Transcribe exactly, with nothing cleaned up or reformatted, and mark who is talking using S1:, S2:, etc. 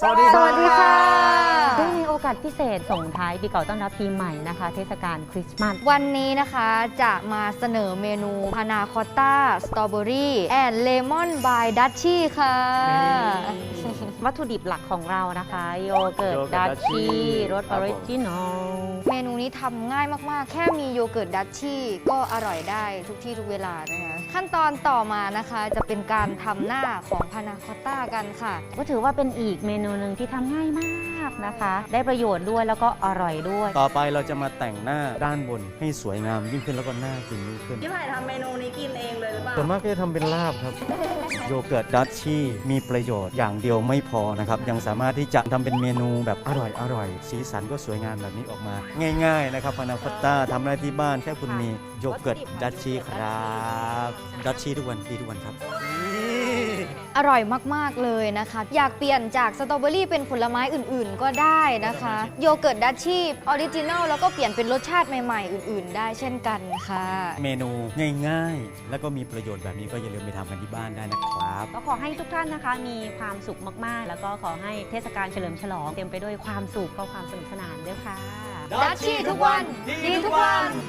S1: สวัสดีสวัสดีค่ะ
S2: เนื่องในโอกาสพิเศษส่งท้ายปีเก่าต้อนรับปีใหม่นะคะเทศกาลคริสต์มาส
S1: วันนี้นะคะจะมาเสนอเมนูพานาคอตต้าสตรอเบอรี่แอนด์เลมอนบายดัชชี่ค่ะ
S2: วัตถุดิบหลักของเรานะคะโยเกิร์ตดัชชี่รสออริจินอล
S1: เมนูนี้ทำง่ายมากๆแค่มีโยเกิร์ตดัชชี่ก็อร่อยได้ทุกที่ทุกเวลานะคะขั้นตอนต่อมานะคะจะเป็นการทำหน้าของพานาคอตต้ากันค่ะ
S2: ก็ถือว่าเป็นอีกเมนูหนึ่งที่ทำง่ายมากนะคะได้ประโยชน์ด้วยแล้วก็อร่อยด้วย
S3: ต่อไปเราจะมาแต่งหน้าด้านบนให้สวยงามยิ่งขึ้นแล้วก็น่ากินยิ่งขึ้น
S4: พี่ไผ่ทำเมนูนี้กินเองเลยหรือเปล่า
S3: ส่วนมากก็จะทำเป็นลาบครับ โยเกิร์ตดัชชี่มีประโยชน์อย่างเดียวไม่พอนะครับยังสามารถที่จะทำเป็นเมนูแบบอร่อยอร่อยสีสันก็สวยงามแบบนี้ออกมาง่ายๆนะครับพานาคอตต้าทำได้ที่บ้านแค่คุณมีโยเกิร์ตดัชชี่ครับดัชชี่ทุกวันดีทุกวันครับ
S1: อร่อยมากๆเลยนะคะอยากเปลี่ยนจากสตรอเบอรี่เป็นผลไม้อื่นๆก็ได้นะคะโยเกิร์ตดัชชี่ออริจินัลแล้วก็เปลี่ยนเป็นรสชาติใหม่ๆอื่นๆได้เช่นกันค่ะ
S3: เมนูง่ายๆแล้วก็มีประโยชน์แบบนี้ก็อย่าลืมไปทำกันที่บ้านได้นะครับ
S2: ก็ขอให้ทุกท่านนะคะมีความสุขมากๆแล้วก็ขอให้เทศกาลเฉลิมฉลองเต็มไปด้วยความสุขและความสนุกสนานด้วยค่ะ
S1: ดัชชี่ทุกวันดีทุกวัน